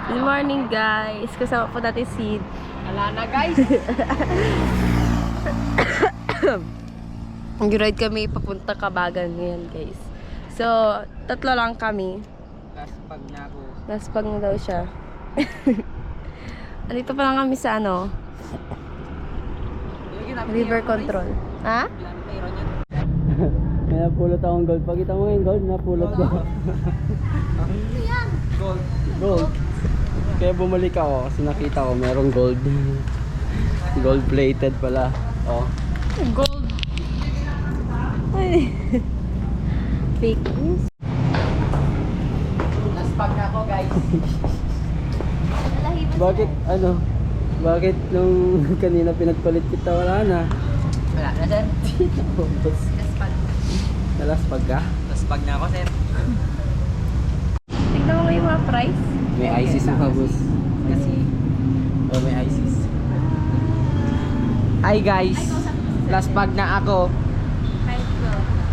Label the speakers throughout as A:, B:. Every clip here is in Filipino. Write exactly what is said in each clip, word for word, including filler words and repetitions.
A: Good morning guys. Kasama po natin si...
B: Wala na guys.
A: Nag-ride kami papunta Kabagan ngayon guys. So, tatlo lang kami.
B: Laspag na ako.
A: Laspag na daw siya. Andito pa lang kami sa ano, river control. Ha?
C: May napulot akong gold. Pakita mo yung gold, napulot ko.
B: Gold.
C: Gold. Kaya bumalik ako kasi nakita ko merong gold. Gold plated pala. Oh.
A: Gold. Ay. Fake news.
B: Laspag na ako guys.
C: Bakit ano? Bakit nung kanina pinagpalit kita wala na?
B: Wala na sir. Laspag.
C: Nalaspag ka?
B: Laspag na ako sir.
A: Tignan mo yung mga price.
C: May ISIS na boss.
B: Kasi
C: Oh, may ISIS.
B: hi guys. Laspag na ako.
A: Price ko.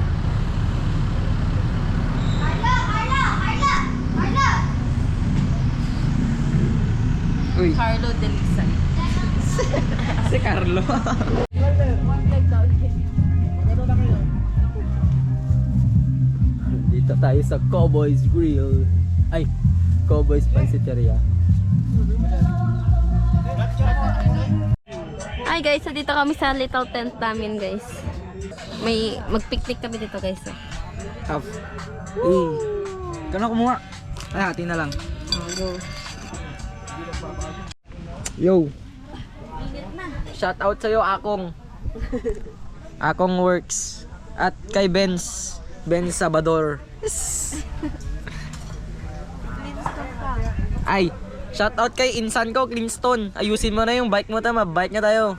B: Uy.
A: Carlo Delisan.
B: Si Carlo.
C: Dito tayo sa Cowboys Grill. Ay, Cowboys Pansiteria.
A: Hi guys, so dito kami sa little tent namin guys. May mag-picnic kami dito guys. Oh.
B: Tough. Eh. Kano kumuha? Ay, hati na lang.
A: Oh, go.
B: Yo. Shout out sa'yo, Akong. Akong Works. At kay Benz. Benz Sabador. Ay, shout out kay insan ko, Clinston. Ayusin mo na yung bike mo, tama. Bike na tayo.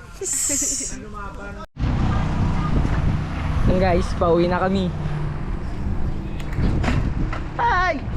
B: Yan guys, pauwi na kami. Ay!